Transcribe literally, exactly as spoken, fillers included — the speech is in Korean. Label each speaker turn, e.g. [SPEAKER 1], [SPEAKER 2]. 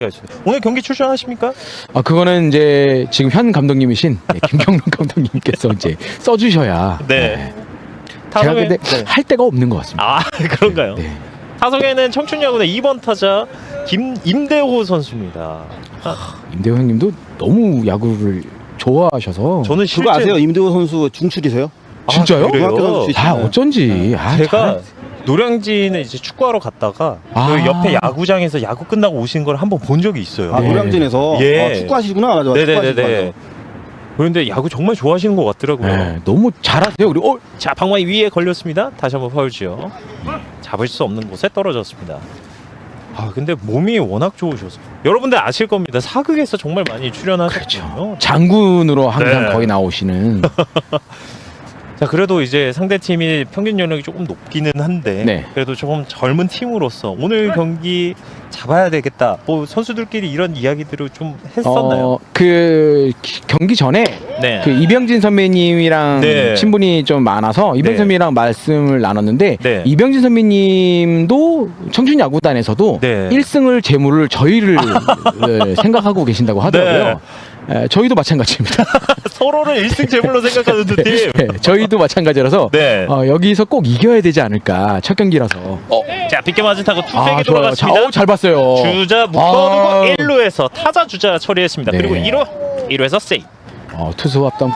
[SPEAKER 1] 오늘 경기 출전하십니까?
[SPEAKER 2] 아 그거는 이제 지금 현 감독님이신 네, 김경록 감독님께서 이제 써주셔야.
[SPEAKER 1] 네.
[SPEAKER 2] 제가
[SPEAKER 1] 타석에
[SPEAKER 2] 근데
[SPEAKER 1] 네.
[SPEAKER 2] 할 데가 없는 것 같습니다.
[SPEAKER 1] 아 그런가요?
[SPEAKER 2] 네.
[SPEAKER 1] 타석에는 청춘야구의 이 번 타자 김 임대호 선수입니다. 아,
[SPEAKER 2] 임대호 형님도 너무 야구를 좋아하셔서.
[SPEAKER 1] 저는 실제
[SPEAKER 3] 그거 아세요? 임대호 선수 중출이세요?
[SPEAKER 2] 진짜요?
[SPEAKER 1] 아, 그래요?
[SPEAKER 3] 중학교 선수
[SPEAKER 2] 아 어쩐지. 아,
[SPEAKER 1] 제가
[SPEAKER 2] 잘-
[SPEAKER 1] 노량진에 이제 축구하러 갔다가
[SPEAKER 2] 아.
[SPEAKER 1] 그 옆에 야구장에서 야구 끝나고 오신 걸 한번 본 적이 있어요.
[SPEAKER 3] 아
[SPEAKER 2] 네.
[SPEAKER 3] 노량진에서
[SPEAKER 1] 예.
[SPEAKER 3] 아, 축구하시구나. 맞아, 맞아.
[SPEAKER 1] 네네네네.
[SPEAKER 3] 축구하시구나.
[SPEAKER 1] 그런데 야구 정말 좋아하시는 것 같더라고요.
[SPEAKER 2] 네, 너무 잘하세요. 그리고 어,
[SPEAKER 1] 자, 방망이 위에 걸렸습니다. 다시 한번 파울지요. 잡을 수 없는 곳에 떨어졌습니다. 아, 근데 몸이 워낙 좋으셔서 여러분들 아실 겁니다. 사극에서 정말 많이 출연하셨거든요.
[SPEAKER 2] 장군으로 항상
[SPEAKER 1] 네.
[SPEAKER 2] 거의 나오시는.
[SPEAKER 1] 자, 그래도 이제 상대 팀이 평균 연령이 조금 높기는 한데
[SPEAKER 2] 네.
[SPEAKER 1] 그래도 조금 젊은 팀으로서 오늘 경기 잡아야 되겠다. 뭐 선수들끼리 이런 이야기들을 좀 했었나요?
[SPEAKER 2] 어, 그 기- 경기 전에
[SPEAKER 1] 네.
[SPEAKER 2] 그 이병진 선배님이랑
[SPEAKER 1] 네.
[SPEAKER 2] 친분이 좀 많아서 이병진
[SPEAKER 1] 네.
[SPEAKER 2] 선배님이랑 말씀을 나눴는데
[SPEAKER 1] 네.
[SPEAKER 2] 이병진 선배님도 청춘 야구단에서도
[SPEAKER 1] 네.
[SPEAKER 2] 일 승을 재물을 저희를 네, 생각하고 계신다고 하더라고요. 에, 저희도 마찬가지입니다.
[SPEAKER 1] 서로를 일 승 제물로 생각하는 두 팀.
[SPEAKER 2] 네, 저희도 마찬가지라서
[SPEAKER 1] 네.
[SPEAKER 2] 어, 여기서 꼭 이겨야 되지 않을까 첫 경기라서.
[SPEAKER 1] 어, 자, 빗게 맞은 타고 투백에
[SPEAKER 2] 아, 좋아요. 자,
[SPEAKER 1] 돌아갔습니다.
[SPEAKER 2] 어, 잘 봤어요.
[SPEAKER 1] 주자 묶어두고
[SPEAKER 2] 아.
[SPEAKER 1] 일 루에서 타자 주자 처리했습니다.
[SPEAKER 2] 네.
[SPEAKER 1] 그리고 일 루 일 루에서 세이브.
[SPEAKER 2] 어, 투수 합당